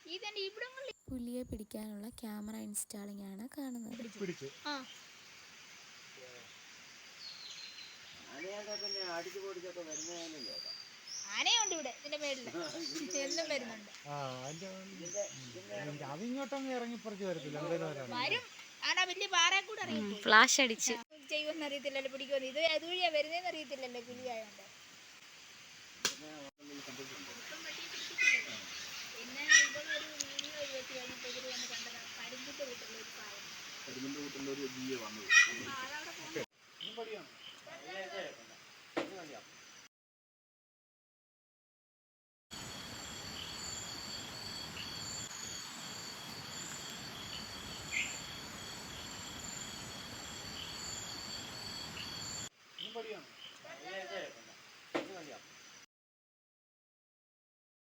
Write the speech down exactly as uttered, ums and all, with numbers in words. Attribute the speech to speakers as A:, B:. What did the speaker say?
A: പുലിയെ പിടിക്കാനുള്ള camera installing ആണ് കാണുന്നത്.
B: ആനയുണ്ട് ഇവിടെ ഇതിന്റെ മേളില് എന്നും വരുന്നുണ്ട്.
C: അതിങ്ങോട്ടൊന്നും ഇറങ്ങിപ്പറിച്ച് വരത്തില്ല.
B: വരും. ആടാ വലിയ പാറയെ കൂടെ അറിയാം.
A: ഫ്ലാഷ് അടിച്ച്
B: ചെയ്യുമെന്ന് അറിയത്തില്ലല്ലോ, പിടിക്കുമെന്ന്. ഇത് അതുവഴിയാ വരുന്നതെന്ന് അറിയത്തില്ലല്ലോ പുലിയായോണ്ട്.